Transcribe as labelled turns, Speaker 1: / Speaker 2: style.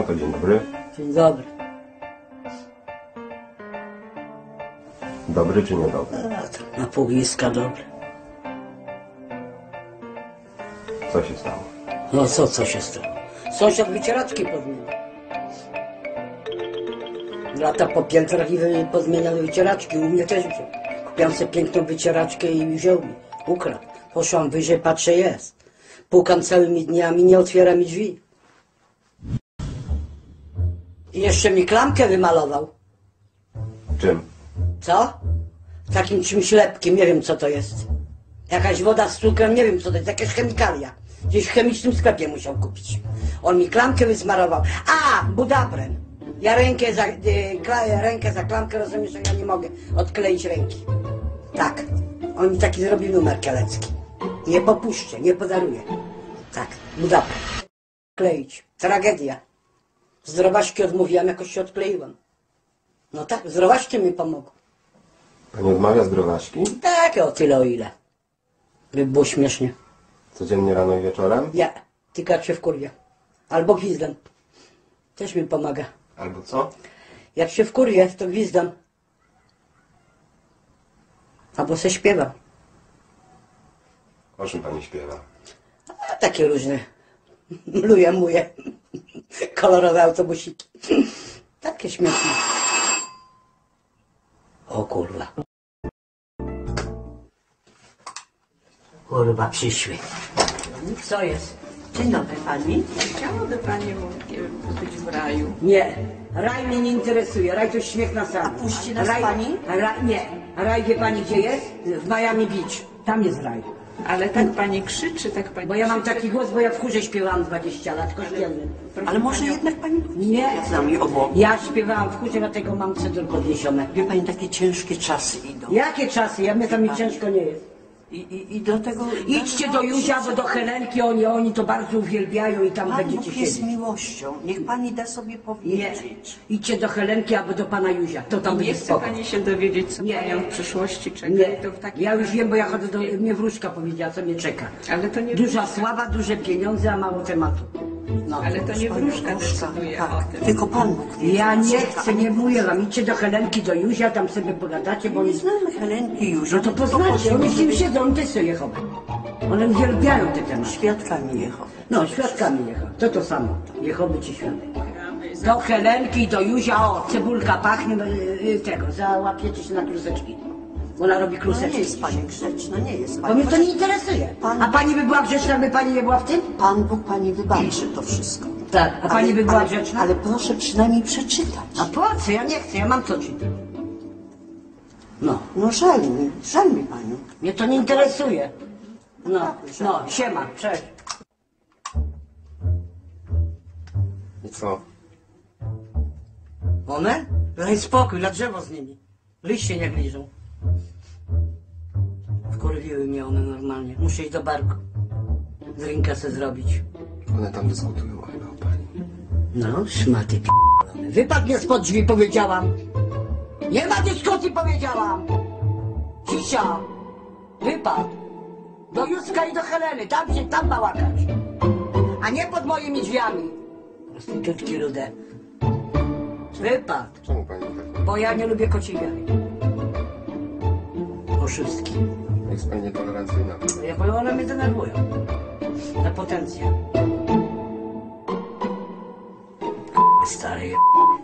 Speaker 1: No to dzień dobry.
Speaker 2: Dzień dobry.
Speaker 1: Dobry czy niedobry?
Speaker 2: Na pół iska dobry.
Speaker 1: Co się stało?
Speaker 2: No co się stało? Sąsiad wycieraczki pozmieniał. Lata po piętrach i pozmieniał wycieraczki. U mnie też wziął. Kupiłam sobie piękną wycieraczkę i wziął mi. Ukradł. Poszłam wyżej, patrzę, jest. Pukam całymi dniami, nie otwiera mi drzwi. I jeszcze mi klamkę wymalował.
Speaker 1: Czym?
Speaker 2: Co? Takim czymś lepkim, nie wiem co to jest. Jakaś woda z cukrem, nie wiem co to jest, jakaś chemikalia. Gdzieś w chemicznym sklepie musiał kupić. On mi klamkę wysmarował. A, budabrem. Ja rękę za klamkę, rozumiesz, że ja nie mogę odkleić ręki. Tak. On mi taki zrobił numer kielecki. Nie popuszczę, nie podaruję. Tak, budabrem. Kleić. Tragedia. Zdrowaśki odmówiłam, jakoś się odkleiłam. No tak, zdrowaśki mi pomogły.
Speaker 1: Pani odmawia zdrowaśki?
Speaker 2: Tak, o tyle o ile. By było śmiesznie.
Speaker 1: Codziennie rano i wieczorem?
Speaker 2: Nie, tylko jak się wkurwia. Albo gwizdam. Też mi pomaga.
Speaker 1: Albo co?
Speaker 2: Jak się wkurwię, to gwizdam. Albo se śpiewam.
Speaker 1: O czym pani śpiewa?
Speaker 2: A takie różne. Muje. Kolorowe autobusiki. Takie śmieszne. O kurwa. Kurwa, przyszły. Co jest?
Speaker 3: Dzień dobry pani. Chciałaby pani być w raju?
Speaker 2: Nie, raj mnie nie interesuje, raj to śmiech na sali.
Speaker 3: Puści nas pani?
Speaker 2: Nie, raj wie pani gdzie jest? W Miami Beach, tam jest raj.
Speaker 3: Ale tak pani krzyczy, tak pani
Speaker 2: Bo ja mam
Speaker 3: krzyczy.
Speaker 2: taki głos, bo ja w chórze śpiewałam 20 lat, kościelnym.
Speaker 3: Ale może jednak pani
Speaker 2: Nie,
Speaker 3: z nami obok.
Speaker 2: ja śpiewałam w chórze, dlatego mam cedr podniesione.
Speaker 3: Wie pani, takie ciężkie czasy idą.
Speaker 2: Jakie czasy? Ja mnie tam mi ciężko nie jest.
Speaker 3: I do tego...
Speaker 2: Idźcie do Józia, bo do Helenki, oni to bardzo uwielbiają i tam
Speaker 3: Pan
Speaker 2: będziecie
Speaker 3: Bóg jest
Speaker 2: siedzieć.
Speaker 3: miłością. Niech pani da sobie
Speaker 2: Nie,
Speaker 3: powiedzieć.
Speaker 2: idźcie do Helenki albo do pana Józia, to tam
Speaker 3: Nie
Speaker 2: będzie
Speaker 3: chce
Speaker 2: spoko.
Speaker 3: pani się dowiedzieć, co
Speaker 2: Nie.
Speaker 3: panią w przyszłości czeka.
Speaker 2: Nie,
Speaker 3: To w takim
Speaker 2: ja już
Speaker 3: razie-
Speaker 2: wiem, bo ja chodzę do... Mnie wróżka powiedziała, co mnie czeka.
Speaker 3: Ale to nie
Speaker 2: Duża
Speaker 3: wróżka.
Speaker 2: sława, duże pieniądze, a mało tematu. No.
Speaker 3: Ale to nie wróżka decyduje o
Speaker 4: Tak,
Speaker 3: tym.
Speaker 4: tylko Pan Bóg wie.
Speaker 2: Ja nie
Speaker 4: co
Speaker 2: chcę, nie mówię wam, idźcie do Helenki, do Józia, tam sobie pogadacie, bo
Speaker 4: Nie
Speaker 2: oni...
Speaker 4: znamy Helenki już.
Speaker 2: No to poznacie, oni z nim siedzą, oni też są Jehowe. One uwielbiają te tematy.
Speaker 4: Świadkami Jehowy.
Speaker 2: No, świadkami Jehowy, to samo. Jehowy czy świadek. Do Helenki, do Józia, o, cebulka pachnie, tego, załapiecie się na kluseczki. Ona robi
Speaker 4: No nie
Speaker 2: kluseczki.
Speaker 4: jest Pani grzeczna, nie jest
Speaker 2: Bo
Speaker 4: Pani.
Speaker 2: mnie to nie interesuje. A pani by była grzeczna, jakby pani nie była w tym?
Speaker 4: Pan Bóg Pani wybaczy to wszystko.
Speaker 2: Tak. A pani by była
Speaker 4: ale,
Speaker 2: grzeczna?
Speaker 4: ale proszę przynajmniej przeczytać.
Speaker 2: A po co? Ja nie chcę, ja mam co czytać. No,
Speaker 4: No żal mi Panią.
Speaker 2: mnie to nie interesuje. No, siema, cześć.
Speaker 1: I co?
Speaker 2: One? Daj spokój, na drzewo z nimi. Liście nie liżą. Wkurwiły mnie one normalnie. Muszę iść do barku. Drinka se zrobić.
Speaker 1: One tam dyskutują chyba o pani.
Speaker 2: No, szmaty p***one. Wypadł mnie spod drzwi, powiedziałam. Nie ma dyskusji, powiedziałam. Cisza. Wypadł. Do Józka i do Heleny. Tam ma łakać. A nie pod moimi drzwiami. Prostytutki rude. Wypadł.
Speaker 1: Czemu pani tak?
Speaker 2: Bo ja nie lubię kociej wiary. Oszustki.
Speaker 1: Jest pani nietolerancyjna.
Speaker 2: Bo one mnie denerwują. Na potencję. Stary